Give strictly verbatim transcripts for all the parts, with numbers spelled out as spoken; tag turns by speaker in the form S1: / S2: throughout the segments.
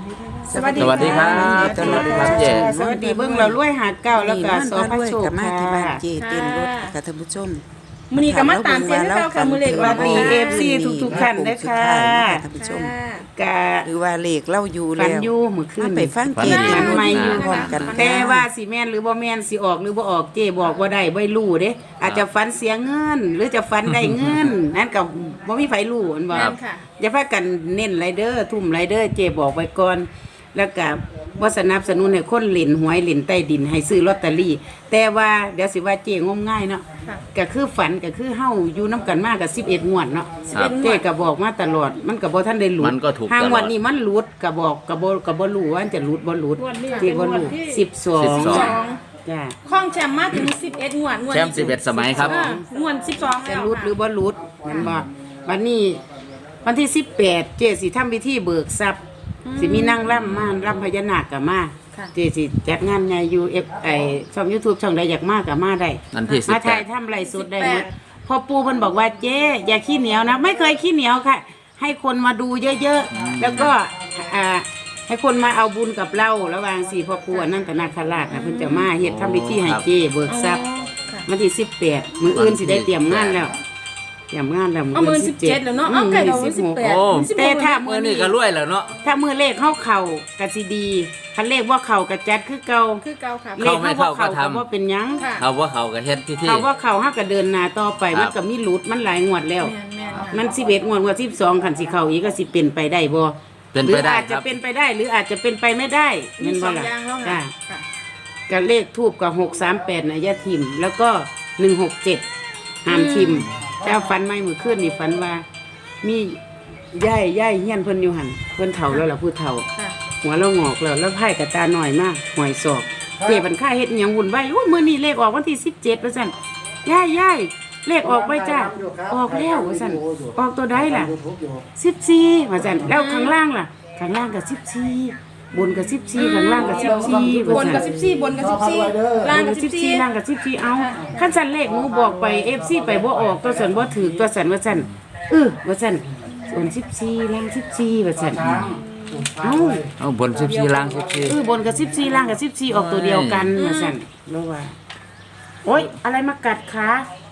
S1: สวัสดีครับสวัสดีครับเจ
S2: สวัสดีเบิ้งเราล้วยหาดเก่าแล้วก็สอพระโชคค่ะมาที่บ้าน
S3: เจเต้นรถกับท่านผู้ชม
S1: มื้อนี้ก็มาตามเสียงเก่าค่ะมื้อเล็กว่า
S2: ดี เอฟ ซี ทุกๆท่านเด้อค่ะ
S3: ท่านผู้ชม
S2: กะ
S3: หรือว่าเลขเล่าอยู่แล้ว
S2: ฟันอยู่มื้อคืน
S3: ไปฟังเจเต้นรถอยู่พร้อมกัน
S2: แต่ว่าสิแม่นหรือบ่แม่นสิออกหรือบ่ออกเจบอกบ่ได้บ่รู้เด้อาจจะฝันเสียเงินหรือจะฝันได้เงินนั่นก็บ่มีไผรู้อันบ่อย่าพากันเน้นไรเด้อทุ่มไรเด้อเจบอกไว้ก่อนแล้วก็บ่สนับสนุนให้คนเล่นหวยเล่นใต้ดินให้ซื้อลอตเตอรี่แต่ว่าเดี๋ยวสิว่าเจงมง่ายเนาะก็คือฝันก็คือเฮาอยู่นํกันมาก็สิบเอ็ดงวดเนาะเจก็บอกมาตลอดมันก็บ่ทันได้หลุดห้างวดนี้มันหลุดก็บอกก็บ่ก็บ่รู้ว่าจะหลุดบ่หลุดเจบ่รู้สิบสองจ้ะ
S1: ข้องแชมป์มาถึงสิบเอ็ดงวดงวด
S4: แชมป์สิบเอ็ดสมัยครับ
S1: งวดสิบสอง
S2: จะหลุดหรือบ่หลุดมันบ่วันนี้วันที่สิบแปดเจสิทำพิธีเบิกทรัพย์สิมีนั่งร่ำมาร่ำพญานาคกับมาเจสิจัดงานใหญ่ยูเอฟไอช่อง YouTube ช่องใดอยากมากับมาได้มาถ่ายทำไรสุดได้หมดพอปูเพิ่นบอกว่าเจ๊อย่าขี้เหนียวนะไม่เคยขี้เหนียวค่ะให้คนมาดูเยอะๆแล้วก็อ่าให้คนมาเอาบุญกับเราระหว่างสี่พ่อปู่นั่นตนาคราชนะเพิ่นจะมาเฮ็ดทำพิธีให้เจ๊เบิกทรัพย์วันที่สิบแปดมื้ออื่นสิได้เตรียมงานแล้วเตรียมงานแล้ว
S1: มื้อสิบเจ็ดแล้วเนาะเอาไก่เราสิบแปด
S2: แต่ถ้ามื้อ
S4: นี้ก็รวยแล้วเนาะ
S2: ถ้ามื้อเลขเข้าเข่าก็สิดีคันเลขว่าเข่าก็จัดคือเก่า
S1: คือเก่าค่ะ
S2: เลขเข้าก็ทำว่าเป็นหยัง
S4: เขาว่าเขาก็เฮ็ดพิธี
S2: เขาว่าเข่าเฮาก็เดินหน้าต่อไปมันก็มีหลุดมันหลายงวดแล้วมันสิบเอ็ดงวดงวดสิบสองคันสิเข้าอีกก็สิเป็นไปได้บ่
S4: เป็น
S2: ไป
S4: ได้
S2: อาจจะเป็นไปได้หรืออาจจะเป็นไปไม่ได้แม่นบ่ล่ะจ้ะก็เลขทูปก็หกสามแปดน่ะอย่าทิ่มแล้วก็หนึ่งหกเจ็ดห้ามทิ่มแต่ฝันใหม่มื้อคืนนี่ฝันว่ามีย่ายย่ายเฮียนเพิ่นอยู่หั่นเพิ่นเฒ่าแล้วล่ะผู้เฒ่าหัวเรางอกแล้วแล้วไผ่กับตาหน่อยมากหอยศอกเจ็บบันค่าเฮ็ดหยังวุ่นวายโอ้มื้อนี้เลขออกวันที่สิบเจ็ดว่าซั่นย่ายย่ายเลขออกไปจ้าออกแล้วว่าซั่นออกตัวใดล่ะสิบสี่ว่าซั่นแล้วข้างล่างล่ะข้างล่างก็สิบสี่บนก็สิบสี่ข้างล่างก็สิบสี่
S1: บนก็สิบสี่บนก็สิบสี่ล่างก็สิบสี่
S2: ล่างก็สิบสี่เอาคันซั่นเลขหนูบอกไป เอฟ ซี ไปบ่ออกตัวซั่นบ่ถูกตัวซั่นว่าซั่นเออว่าซั่นบนสิบสี่ล่างสิบสี่ว่าซั่นเอา
S4: เอาบนสิบสี่ล่างสิบสี่
S2: เออบนกับสิบสี่ล่างกับสิบสี่ออกตัวเดียวกันมาสั่นรู้ว่าโอ๊ยอะไรมากัดขา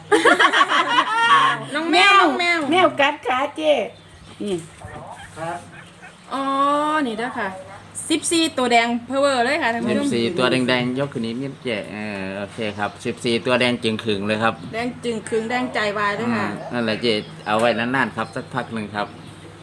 S1: น้องแมวน้องแมว
S2: แมวกัดขาเจ๊นี่
S1: อ๋อนี่เด้อค่ะสิบสี่ตัวแดงเพอเวอร์เลยค่ะท่านผู้ชม
S4: สิบสี่ตัวแดงๆยกขึ้นนิดนิดเจ๊เออโอเคครับสิบสี่ตัวแดงจึงขึงเลยครับ
S1: แดงจึงขึงแดงใจวายด้วยค่ะ
S4: นั่นแหละเจ๊เอาไว้นานๆครับสักพักนึงครับ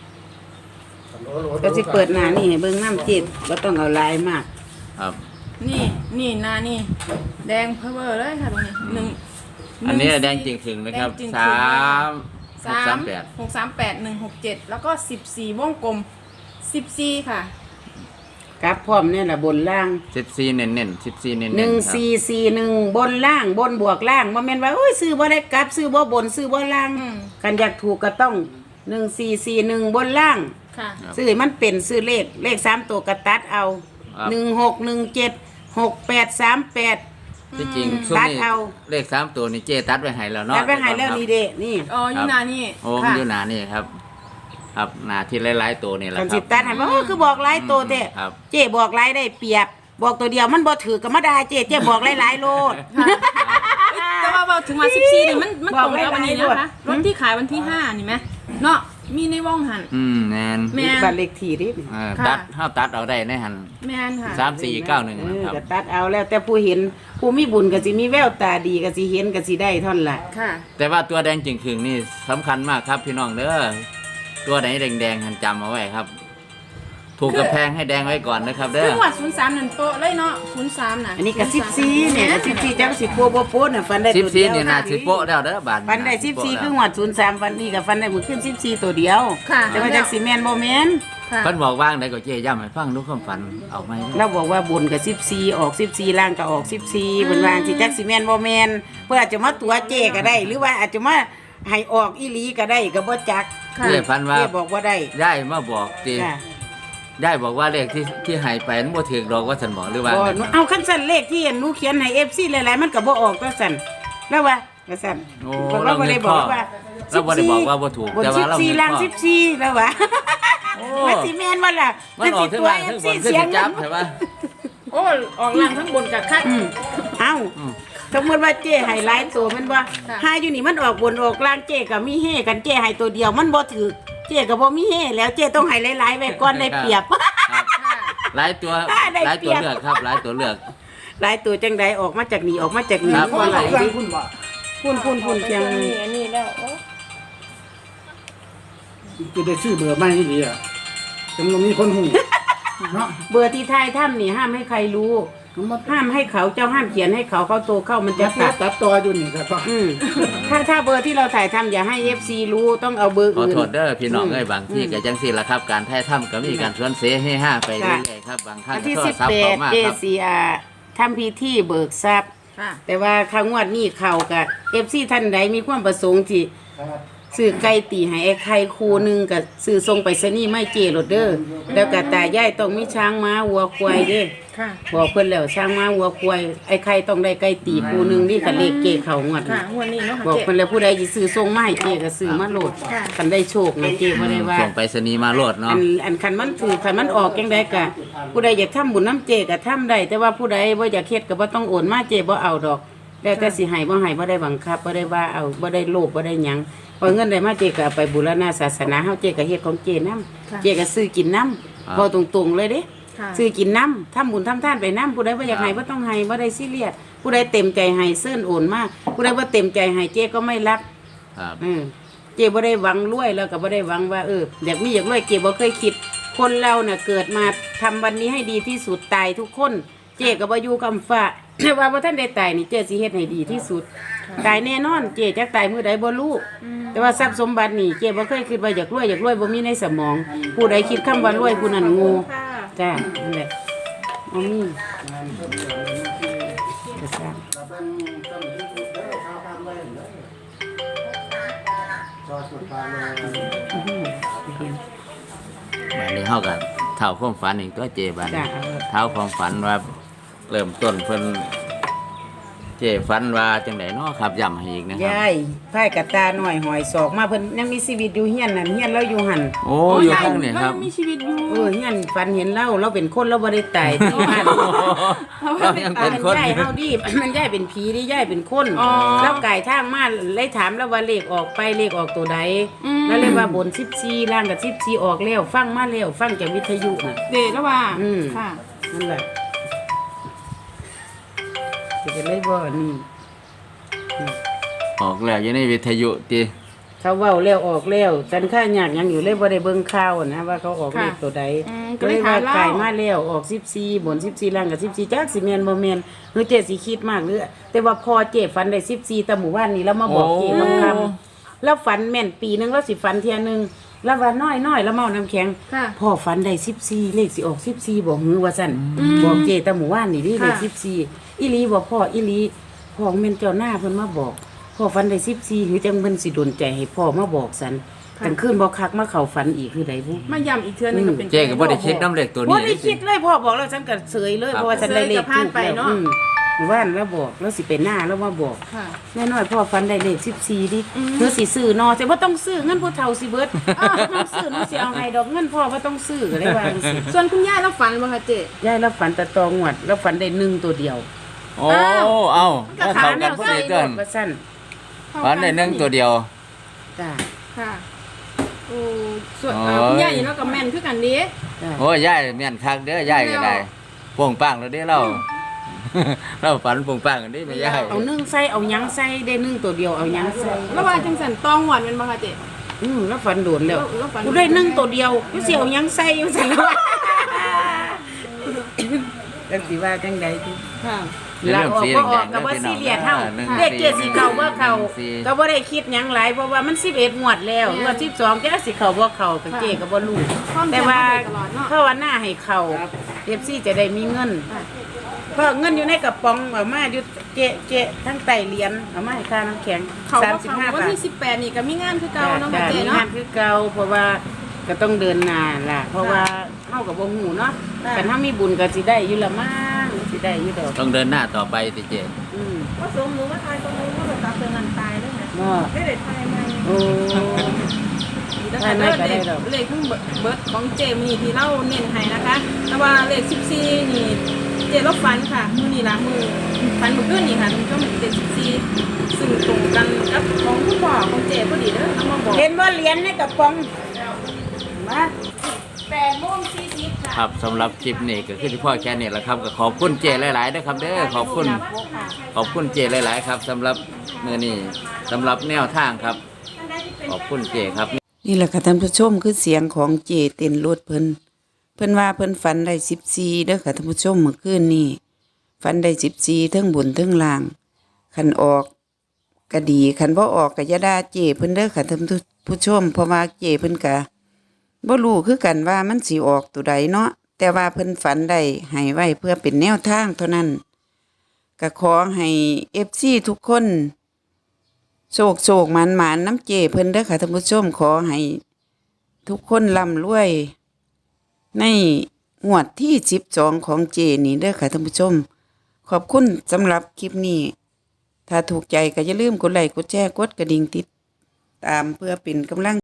S2: ก็สิเปิดหน้านี่ให้เบิ่งน้ำจิตบ่ต้องเอาลายมาก
S4: ครับ
S1: นี่นี่หน้านี่แดงเพอเวอร์เลยค่ะตรงนี้หนึ่ง
S4: อันนี้แดงจริงถึงนะครับสาม
S1: สามแปดหกสามแปดหนึ่งหกเจ็ดแล้วก็สิบสี่วงกลมสิบสี่ค่ะ
S2: กราฟพร้อมเนี่ยแหละบนล่าง
S4: สิบสี่เน้นๆสิบสี่เน้นๆ
S2: หนึ่งสี่สี่หนึ่งบนล่างบนบวกล่างบ่แม่นว่าโอ้ยซื้อบ่ได้กราฟซื้อบ่บนซื้อบ่ล่างกันอยากถูกก็ต้องหนึ่งสี่สี่หนึ่งบนล่างซื้อมันเป็นซื้อเลขเลขสามตัวกระตัดเอาหนึ่งหกหนึ่งเจ็ดหกแปดสามแปด
S4: ที่จริงตัดเอาเลขสามตัวนี่เจตัดไว้ให้แล้วเนาะ
S2: ตัดไว้ให้แล้วนี่เด้นี่
S1: อ๋ออยู่หน้านี่
S4: โอ้อยู่หน้านี่ครับครับหน้าที่หลายๆตัวนี่แหละครับ
S2: สิตัดให้บ่คือบอกหลายตัวเด้เจบอกหลายได้เปรียบบอกตัวเดียวมันบ่ถือก็มาได้เจเจบอกหลายๆโลด
S1: แต่ว่าพอถึงมาสิบสี่นี่มันมันตรงกับวันนี้นะคะรถที่ขายวันที่ห้านี่ไหมเนาะมีในว่องหัน
S4: อืมแมน
S2: แมนบัตรเลขที่ดิ
S4: ตัดห้าตัดเอาได้ในหัน
S1: แมนค่ะ
S4: สามสี่เก้าหนึ่ง
S2: ครับตัดเอาแล้วแต่ผู้เห็นผู้มีบุญก็สิมีแววตาดีก็สิเห็นก็สิได้ท่อนละ
S1: ค่ะ
S4: แต่ว่าตัวแดงจึงขึงนี่สำคัญมากครับพี่น้องเด้อตัวไหนแดงๆหันจำเอาไว้ครับถูกกระแพงให้แดงไว้ก่อนนะครับเด้อ
S1: จังหวัดศูนย์สามนั่นโตเลยเนาะศูนย์สามน่ะ
S2: อันนี้ก็สิบสี่เนี่ยสิบสี่จังสิบโป๊ะโป๊ะน่ะฟันได้
S4: สิบสี่นี่น่าสิบโป๊ะแล้วเด้อบาท
S2: ฟันได้สิบสี่คือหวัดศูนย์สามฟันนี่กับฟันได้มือขึ้นสิบสี่ตัวเดียวแต่ว่าจักสิแมนบ่แมน
S4: เพิ่นบอกว่างได้ก็เจ๊ย่ำให้ฟังดูความฝันเอาไหม
S2: เราบอกว่าบนกับสิบสี่ออกสิบสี่ล่างก็ออกสิบสี่เพิ่นว่าสิจักสิแมนบ่แมนเพื่ออาจจะมาตัวเจ๊ก็ได้หรือว่าอาจจะมาให้ออกอีหลีก็ได้ก็บ่จัก
S4: เจ๊ฝันว่า
S2: เจ๊บอกว่าได้
S4: ได้มาบอกติได้บอกว่าเลขที่ที่หายไปนั้นบ่ถูกดอกว่าฉันบอกหรือว่า
S2: เอาคันสั่นเลขที่หนูเขียนให้ เอฟ ซี หลายๆมันก็บ่ออกก็สั่นแล้วว่าก็สั่น
S4: เราบ่ได้บอกว่าเราบ่ได้บอกว่าบ่ถูก
S2: แต่ว่าเราสิบสี่ล่างสิบสี่แล้วว่ามันสิแม่นว่าล่ะ
S4: มันออก
S2: สิ
S4: ทั้ง
S2: ตัว
S4: ล่าง
S2: เอ
S4: ทั้
S2: ฟ
S4: งบ
S2: ซี
S4: นขึ้น
S2: เสียง
S4: จับ
S2: นำ
S4: ใช่ปะ
S1: โอ้ออกล่างทั้งบนกับคัด
S2: อืมเอ้า
S4: อืม
S2: สมมติว่าเจ้ให้หลายตัวมันว่า
S1: ค่ะ
S2: หาอยู่นี่มันออกบนออกล่างเจ้ก็มีเฮกันเจ้ให้ตัวเดียวมันบ่ถือเจ้ก็บ่มีเฮแล้วเจ้ต้องให้หลายๆไว้ก่อนได้เปรียบ
S4: ครับ
S1: ค่ะ
S4: หลายตัว
S2: ได้
S4: หลาย
S2: เปรี
S4: ตัวย
S2: บ
S4: เลือกครับหลายตัวเลือก
S2: หลายตัวจังใดออกมาจากนี่ออกมาจากนี่
S4: ครับ
S2: บ่หลายดิ
S5: คุณบ่
S2: พุ่นพุ่นพุ่นเพียง
S1: นี่อันนี้แล้วโอ้
S5: จะได้ชื่อเบอร์ไม่ดีอ่ะจำนวนมีคนหูเนาะ
S2: เบอร์ที่ทายถ้ำนี่ห้ามให้ใครรู้ ห้ามให้เขาเจ้าห้ามเขียนให้เขาเขาโตเข้ามันจะ
S5: จะ
S2: ตั
S5: ตั
S2: ด
S5: ดตัดต่ออยู่นี่ครับ
S2: อืมถ้าถ้าเบอร์ที่เราถ่ายทำอย่าให้ เอฟ ซี รู้ต้องเอาเบอร์
S4: ขอ
S2: อื่น
S4: โทษเด้อพี่น้อง
S2: อืม
S4: เอ้ยบางที่
S2: อืม
S4: ก็จังซี่ล่ะครับ การถ่ายทำก็มีการสวนเสให้ห้าไปเรื่อยๆครับบางครั้ง
S2: อัน
S4: ก็
S2: ที่
S4: โทร
S2: สิบ
S4: ศัพท์
S2: แป
S4: เข้า
S2: ด
S4: มา
S2: เจ
S4: ครับ
S2: ซีอาทำพิธีเบิกทรัพย์
S1: ค่ะ
S2: แต่ว่าครั้งงวดนี้เข่ากับเอฟซีท่านใดมีความประสงค์ที่ซื้อไก่ตีให้ไอ้ไข่คูหนึงกับซื้อทรงไปสนี่ไม่เจโรดเดอร์แล้วก็ตายายต้องมีช้างม้าวัวควายเด้
S1: ค่ะ
S2: บอกเพิ่นแล้วช้างม้าวัวควายไอ้ไข่ต้องได้ไก่ตีคูหนึงนี่คันเลขเกเขางวด
S1: ค่ะ
S2: นี้
S1: งวดนี้เนาะค่ะ
S2: บอก
S1: เจ๊
S2: เพิ่นแล้วผู้ใดสิซื้อทรงมาให้เจก็ซื้อมาโหลด
S1: ค่ะ
S2: คันได้โชคนะเจบ่ได้ว่า
S4: ส่งไปสนีย์มาโลด
S2: อั
S4: เนาะ
S2: นอันคันมันถือคันมันออกจังไดกะผู้ใดอยากทำบุญน้ำเจก็ทำได้แต่ว่าผู้ใดบ่อยากเฮ็ดก็บ่ต้องโอนมาเจบ่เอาดอกแล้วแต่สิให้บ่ให้บ่ได้บังคับบ่ได้ว่าเอาบ่ได้โลภบ่ได้หยังพอเงินได้มาเจก็เอาไปบูรณะศาสนาเฮาเจก็เฮ็ดของเจนำเจก็ซื้อกินนำบ่ตรงๆเลยเด้
S1: ค่ะ
S2: ซื้อกินนำทำบุญทำทานไปนำผู้ใดบ่อยากให้บ่ต้องให้บ่ได้ซีเรียสผู้ใดเต็มใจให้เซิ้นโอนมาผู้ใดบ่เต็มใจให้เจก็ไม่รับ
S4: ครับ
S2: เออเจ๊บ่ได้หวังรวยแล้วก็บ่ได้หวังว่าเอออยากมีอยากรวยเจ๊บ่เคยคิด คนเราน่ะเกิดมาทำวันนี้ให้ดีที่สุดตายทุกคน เจ๊ก็บ่อยู่กำฟ้า แต่ว่าบ่ทันได้ตายนี่เจ๊สิเฮ็ดให้ดีที่สุด ตายแน่นอนเจ๊จักตายมื้อใดบ่รู้แต่ว่าทรัพย์สมบัตินี่เจ๊บ่เคยคิดว่าอยากรวยอยากรวยบ่มีในสมอง ผู้ใดคิดคำว่ารวยผู้นั้นโง่
S1: ค่ะ
S2: จ้านั่นแหละบ่มีจะสร้าง
S4: บัดนี้เฮาก็เท่าความฝันอีกตัวเจบัด
S2: จ้า
S4: นี้
S2: เอา
S4: เท่าความฝันว่าเริ่มต้นเพิ่นเจฝันว่าจังไดเนาะครับย้ำให้อีกนะครับ
S2: ยายพายกระตาหน่อยหอยศอกมาเพิ่นยังมีชีวิตอยู่เฮียนนั่นเฮียนเราอยู่หั่น
S4: โอ้อยู่ข้างนี่ครับ
S1: มีชีวิตอยู่
S2: เออเฮียนฝันเห็นเราเราเป็นคนเราบ่ได้ตายที่บ้าน
S4: เรายังเป็นคน
S2: ยาย
S4: อยู่
S2: เฮาดิ มันยายเป็นผีดิยายเป็นคน
S1: อ๋อ
S2: แล้วไก่ทางมาเลยถามแล้วว่าเลขออกไปเลขออกตัวใด
S1: อืม
S2: แล้วเลยว่าบนสิบสี่ล่างกับสิบสี่ออกแล้วฟังมาแล้วฟังจากวิทยุน่ะ
S1: เดชแล้วว่า
S2: อืม
S1: ค่ะ
S2: นั่นแหละจะเป็นเลยบ่นี่
S4: ออกแล้วอยู่ในวิทยุติ
S2: เขาเว้าแล้วออกแล้วจันค่ายากหยังอยู่เลยบ่ได้เบิ่งข่าวนะว่าเขาออกเลขตัวใด
S1: อืม
S2: ก็เลยว่า
S1: ก็เลยถามเรา
S2: ไก่มาแล้วออกสิบสี่บนสิบสี่ล่างกับสิบสี่จักสิแม่นบ่แม่นหรือเจ๊สิคิดมากหรือแต่ว่าพอเจ๊ฝันได้สิบสี่แต่หมู่บ้านนี้แล้วมาบอกเจ๊คำคำแล้วฝันแม่นปีหนึงแล้วสิฝันเที่ยหนึงแล้วว่าน้อยน้อยแล้วเมาน้ำแข็ง
S1: ค่ะ
S2: พ่อฝันได้สิบสี่เลขสิออกสิบสี่บอกหือว่าสั่นบอกเจ๊แต่หมู่บ้านนี่ดิเลข
S1: ค่ะ
S2: สิบสี่อีหลีบอกพ่ออีหลีพ่อแม่นเจ้าหน้าเพิ่นมาบอกพ่อฝันได้สิบสี่หรือจังเพิ่นสิดลใจให้พ่อมาบอกสันกลางคืนบ่คักมาเข้าฝันอีกคือใดบุ
S1: มาย้ำอีกเทื่อนึงก็เป็น
S4: เจก็บ่ได้คิดน้ำเล็กตัว
S2: บ่
S4: นี้
S2: ได้คิดเลยพ่อบอกแล้วฉันก็เสยเลย
S4: ครับ
S2: เพราะว่าฉันได้เลข
S1: เสยกับผ่านไป
S2: ถูกแล้ว
S1: เนาะ
S2: อืมหมู่บ้านแล้วบอกแล้วสิไปหน้าแล้วมาบอก
S1: ค่ะ
S2: แน่นอนพ่อฝันได้เลขสิบสี่ดิ
S1: อืม
S2: เธอสิซื้อเนอแต่บ่ต้องซื้อเงินผู้เฒ่าสิเบิดอ้าวน้องซื้อน้องสิเอาให้ดอกเงินพ่อบ่ต้องซื้อก็เลยว่าจังซี่
S1: ส่วนคุณย่าแล้วฝันบ่คะเจ๊
S2: ยายแล้วฝันแต่ตองวดแล้วฝันได้หนึ่งตัวเดียว
S4: โอ้เอ้า
S1: ก็
S4: เข้า
S1: ถาม
S4: กันพอดีเกิน
S2: ว่าซั่น
S4: ฝันได้หนึ่งตัวเดียว
S2: จ้า
S1: ค่ะโอ้ส่วน
S4: โอ้
S1: เอ่อคุณย่าอยู่เนาะกับแม่นคือกันเด้
S2: จ้า
S4: โอ้ยายแม่นคักเด้อยายก็ได้โป่งปังแล้วเด้เรา เราฝันโป่งปังกันเด้แม่ยาย
S2: เอานึ่งใส่เอาหยังใส่ได้นึ่งตัวเดียวเอาหยังใส่
S1: แล้วว่าจังสันตองหวานเป็นบ่คะเจ๊
S2: อืมแล้วฝันโดนแล้ว
S1: แล้วฝัน
S2: กูได้นึ่งตัวเดียวกูสิเอาหยังใส่อยู่ซั่นแล้วจังสิว่าจังใดติ
S1: ค่ะ
S2: ลาออกก็ออกก็บ่ซีเรียสเฮาเลขเกียรสิเข้าบ่เข้าก็บ่ได้คิดหยังหลายเพราะว่ามันสิบเอ็ดงวดแล้วงวดสิบสองจักสิเข้าบ่เข้าก็เจ๊ก็บ่รู้
S1: ความ
S2: แต่
S1: จำ
S2: ว่า
S1: มาโดยตลอดเนาะ
S2: ภาวนาให้เข้าเอฟซีจะได้มีเงิน
S1: ค่ะ
S2: เพราะเงินอยู่ในกระป๋องเอามาอยู่เจ๊เจ๊ทั้งไตเหรียญเอามาให้ค่าน้ำแข็ง
S1: เขา
S2: สาม
S1: ก็
S2: สิบ
S1: เขา
S2: ห้า
S1: วัน
S2: บาท
S1: ที่สิบแปดนี่ก็มีงานคือเก่าเนาะ
S2: จ้ะ
S1: ค่ะเจ๊
S2: มี
S1: เนาะ
S2: งานคือเก่าเพราะว่าก็ต้องเดินหน้าล่ะ เพราะว่าเฮากับบ่ฮู้เนาะ
S1: ค่ะ
S2: กันถ้ามีบุญก็สิได้อยู่ละมั้งสิได้อยู่ดอก
S4: ต้องเดินหน้าต่อไปติเจ
S2: อืม
S1: ว่าสมหนูว่าตายตรงนู้นว่าตัดเตือนกันตายด้วยนะ
S2: เนาะ
S1: ไม่ได้ตายไหม
S2: โอ้
S1: นะคะ
S2: ไม่
S1: เล
S2: ไม่
S1: ข
S2: ก็ได้ดอก
S1: เลขทั้งเบิร์ดของเจมนี่ที่เราเน้นให้นะคะ แต่ว่าเลขสิบสี่นี่เจลบฟันค่ะมือนี่ละมือฟันมือขึ้นนี่ค่ะท่านผู้ชมเลขสิบสี่ซึ่งตรงกันกับของคุณพ่อของเจพอดีเด้อเอามาบอก
S2: เห็นว่าเหรียญในกระป๋องมา
S1: แปดโมงสี่สิบค่ะ
S4: ครับสำหรับคลิปนี้ก็คือที่พ่อแค่นี้แหละครับก็ขอบคุณเจหลายๆนะครับเด้อขอบคุณขอบคุณเจหลายๆครับสำหรับมื้อนี้สำหรับแนวทางครับ ขอบคุณเจครับ
S3: นี่แหละค่ะท่านผู้ชมคือเสียงของเจเต้นรถเพิ่นเพิ่นว่าเพิ่นฝันได้สิบสี่เด้อค่ะท่านผู้ชมเมื่อคืนนี้ฝันได้สิบสี่เทั้งบนเทั้งล่างคันออกก็ดีคันบ่ออกก็อย่าด่าเจเพิ่นเด้อค่ะท่านผู้ชมเพราะว่าเจเพิ่นก็บ่รู้คือกันว่ามันสิออกตัวใดเนาะแต่ว่าเพิ่นฝันได้ให้ไว้เพื่อเป็นแนวทางเท่านั้นก็ขอให้ เอฟ ซี ทุกคนโศกโศกหมันหมานน้ำเจเพิ่นเด้อค่ะท่านผู้ชมขอให้ทุกคนร่ำรวยในงวดที่สิบสองของเจนี่เด้อค่ะท่านผู้ชมขอบคุณสำหรับคลิปนี้ ถ้าถูกใจก็อย่าลืมกดไลค์กดแชร์กดกระดิ่งติดตามเพื่อเป็นกำลัง